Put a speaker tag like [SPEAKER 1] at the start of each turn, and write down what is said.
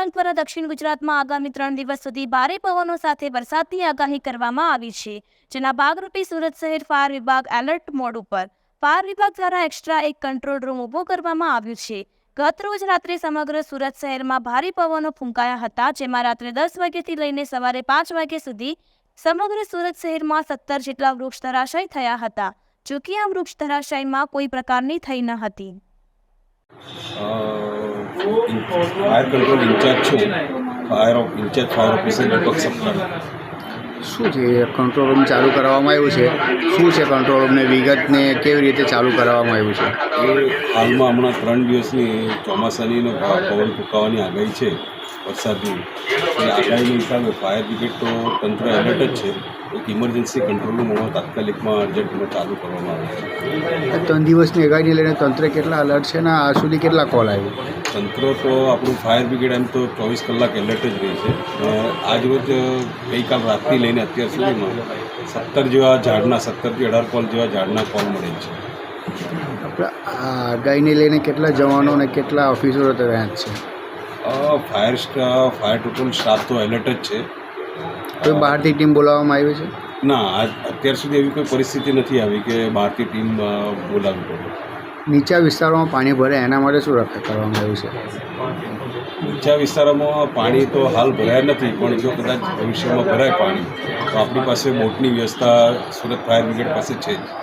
[SPEAKER 1] વિભાગ દ્વારા દક્ષિણ ગુજરાતમાં આગામી 3 દિવસ સુધી ભારે પવનો સાથે વરસાદની આગાહી કરવામાં આવી છે, જેના ભાગરૂપે સુરત શહેર ફાયર વિભાગ એલર્ટ મોડ ઉપર. ફાયર વિભાગ દ્વારા એક્સ્ટ્રા એક કંટ્રોલ રૂમ ઊભો કરવામાં આવ્યું છે. ગત રોજ રાત્રે સમગ્ર સુરત શહેરમાં ભારે પવનો ફૂંકાયા હતા, જેમાં રાત્રે 10 વાગ્યાથી લઈને સવારે 5 વાગ્યા સુધી સમગ્ર સુરત શહેરમાં 17 જેટલા વૃક્ષ ધરાશાયી થયા હતા. જોકે આ વૃક્ષ ધરાશાયીમાં કોઈ પ્રકારની થઈ ન હતી.
[SPEAKER 2] ફાયર કંટ્રોલ ઇન્ચાર્જ છું. ફાયર ઓફિસર દીપક સપ્તાહ.
[SPEAKER 3] શું છે કંટ્રોલ રૂમ ચાલુ કરાવવામાં આવ્યું છે? શું છે કંટ્રોલ રૂમને વિગતને કેવી રીતે ચાલુ કરાવવામાં આવ્યું છે?
[SPEAKER 2] એ હાલમાં હમણાં 3 દિવસની ચોમાસાની પવન ફૂંકાવાની આગાહી છે, વરસાદની. એ આગાહીના હિસાબે ફાયર બ્રિગેડ તો તંત્ર એલર્ટ જ છે. એક ઇમરજન્સી કંટ્રોલ રૂમ હમણાં તાત્કાલિકમાં અર્જન્ટમાં ચાલુ કરવામાં આવે છે.
[SPEAKER 3] 3 દિવસની આગાહીને લઈને તંત્ર કેટલા અલર્ટ છે ને આ સુધી કેટલા કોલ આવ્યો?
[SPEAKER 2] તંત્ર તો આપણું ફાયર બ્રિગેડ એમ તો 24 કલાક એલર્ટ જ રહે છે. આજ રોજ ગઈકાલ રાતથી લઈને અત્યાર સુધીમાં 17 જેવા ઝાડના 17થી 18 કોલ જેવા ઝાડના કોલ મળે છે.
[SPEAKER 3] આપણે આ આગાહીને લઈને કેટલા જવાનો અને કેટલા ઓફિસરો તૈયાર છે?
[SPEAKER 2] ફાયર ટોટલ સ્ટાફ તો એલર્ટ જ છે.
[SPEAKER 3] કોઈ બહારથી ટીમ બોલાવવામાં આવી છે?
[SPEAKER 2] ના, અત્યાર સુધી એવી કોઈ પરિસ્થિતિ નથી આવી કે બહારથી ટીમ બોલાવવી પડે.
[SPEAKER 3] નીચા વિસ્તારોમાં પાણી ભરે એના માટે શું રક્ષા કરવામાં આવ્યું છે?
[SPEAKER 2] નીચા વિસ્તારોમાં પાણી તો હાલ ભરાયા નથી, પણ જો કદાચ ભવિષ્યમાં ભરાય પાણી તો આપણી પાસે બોટની વ્યવસ્થા સુરત ફાયર બ્રિગેડ પાસે છે જ.